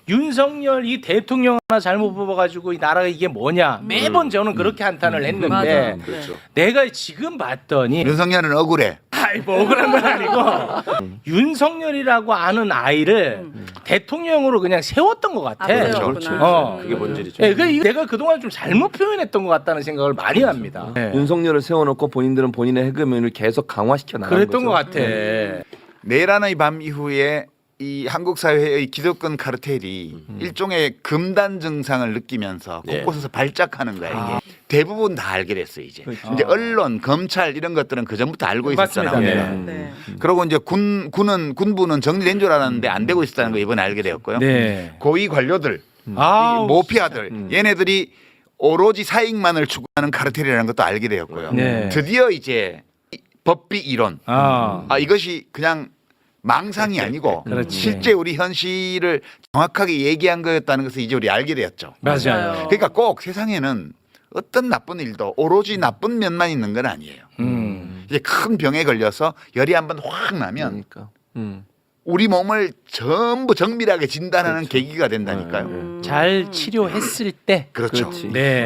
윤석열 이 대통령 하나 잘못 뽑아가지고 이 나라가 이게 뭐냐 매번 저는 그렇게 한탄을 했는데 맞아. 그렇죠. 내가 지금 봤더니 윤석열은 억울해. 아이 뭐 억울한 건 아니고 윤석열이라고 아는 아이를 대통령으로 그냥 세웠던 것 같아. 그래요? 그렇죠. 어. 그게 본질이죠. 네, 내가 그동안 좀 잘못 표현했던 것 같다는 생각을 많이 합니다. 네. 윤석열을 세워놓고 본인들은 본인의 해금을 계속 강화시켜 나가는 그랬던 것 같아. 내란의 밤 이후에 이 한국 사회의 기득권 카르텔이 일종의 금단 증상을 느끼면서 예. 곳곳에서 발작하는 거야 이게. 대부분 다 알게 됐어 이제. 이제 언론, 검찰 이런 것들은 그 전부터 알고 있었잖아. 맞습니다. 우리가. 네. 그리고 이제 군부는 정리된 줄 알았는데 안 되고 있었다는 거 이번에 알게 되었고요. 네. 고위 관료들, 아, 이 모피아들, 얘네들이 오로지 사익만을 추구하는 카르텔이라는 것도 알게 되었고요. 네. 드디어 이제 법비 이론, 이것이 그냥 망상이 아니고 그렇지. 실제 우리 현실을 정확하게 얘기한 거였다는 것을 이제 우리 알게 되었죠. 맞아요. 그러니까 꼭 세상에는 어떤 나쁜 일도 오로지 나쁜 면만 있는 건 아니에요. 이제 큰 병에 걸려서 열이 한번 확 나면 그러니까. 우리 몸을 전부 정밀하게 진단하는 계기가 된다니까요. 잘 치료했을 때 그렇죠. 그렇지. 네.